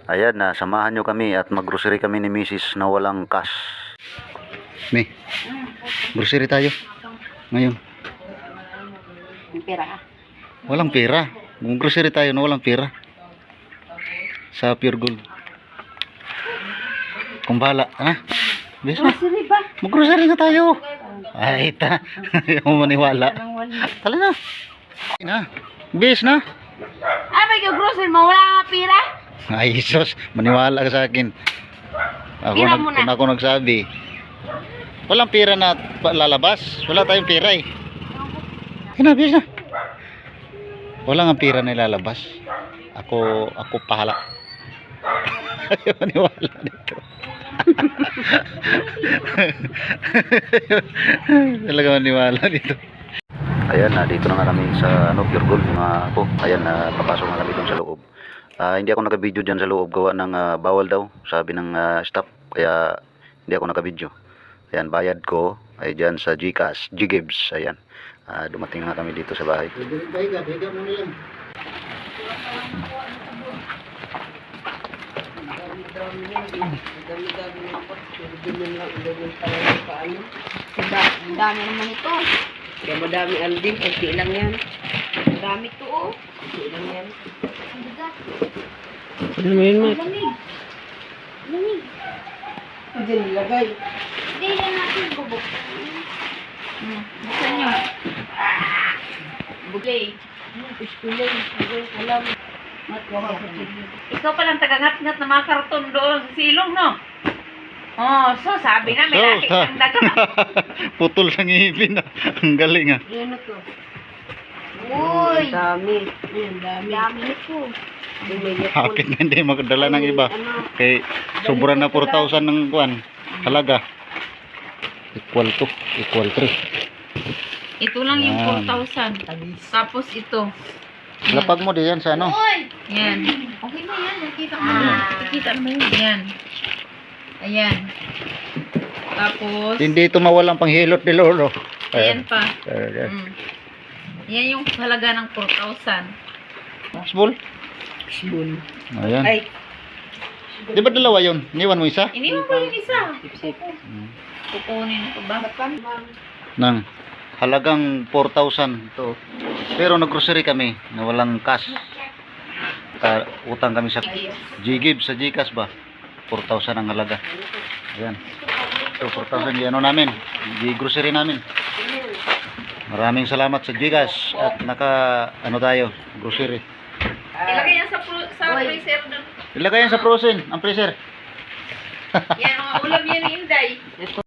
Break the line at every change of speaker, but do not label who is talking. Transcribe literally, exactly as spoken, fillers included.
Ayan na, samahan nyo kami at mag-grocery kami ni Missus na walang cash. May, grocery tayo. Ngayon.
Pera.
Walang pera. Mag-grocery tayo na walang pera. Sa Pure Gold. Kung bahala, ha? Bis na.
Grocery ba?
Mag-grocery na tayo. Ay, ta. Ayaw mo maniwala. Tala na. Na. Bis na.
Ah, may grocery mo, wala nga pera?
Ay, sus. Maniwala ka sa akin. Ako,
Pira
nag,
mo na.
ako nagsabi. Walang pera na pa- lalabas. Wala tayong pera eh. Ayun na, bis na. Wala nga pera na ilalabas. Ako, ako pahala. Ayaw maniwala dito. Talaga maniwala dito. Ayan na, dito na nga kami sa ano, Pure Gold mga ako. Ayan na, papasok na kami dun sa loob. Ah, hindi ako naka-video dyan sa loob gawa ng ah, bawal daw, sabi ng ah, staff. Kaya hindi ako naka-video. Ayan, bayad ko ay dyan sa Gcash, Ggives. Ayan, ah, dumating na nga kami dito sa bahay. Bayga, bayga mo na lang.
Ang dami naman ito.
Kaya madami Alvin, kunti lang yan.
Ang dami ito, oh.
Kunti lang yan.
Ang bigat.
Ano mo yun, Mat?
Lamig. Lamig.
Hindi nilagay.
Hindi lang natin bubuksan. Hmm. Buksan nyo. Bugay.
Iskulay, iskulay, alam.
Mat, waka ko. Ikaw palang tagangat-ngat na mga karton doon sa silong, no? Oh, so sabi na may laki
ha?
ang daga.
Putol sa ngipin. Ang galing ah.
Yan na to.
Uy,
Ang dami. Ang dami.
dami ito.
Bumili ko.
Hapit na hindi makadala ng iba. Kay sobra na four thousand ng kuan. Halaga. Equal to. Equal three.
Ito lang yung
Yan.
four thousand. Tapos ito.
Lapag mo diyan sa ano.
Uy!
Yan.
Okay na yan, nakita ko
Ayan.
na.
Nakikita mo yun? Yan. Ayan. Tapos,
Hindi ito mawalang panghilot ni Lolo.
ayan pa.
Ayan.
Mm. Yan yung halaga ng four thousand.
Small.
Spoon.
Ayan.
Ay,
Di ba dalawa yun? Iniwan mo isa?
Iniwan ko yung isa.
sip-sip.
Hmm.
Kukunin ko ba?
Nang halagang four thousand to. Pero nag-grocery kami na walang cash. Ta utang kami sa Ggives, sa Gcash ba? four thousand ang halaga. Ayan. So four thousand yung ano namin, G-grocery namin. Maraming salamat sa Gcash at naka ano tayo, grocery.
Ilagay yan sa, pro- sa freezer doon.
Ilagay yan sa frozen, ang freezer.
Yan, mga ulam yan ni Inday.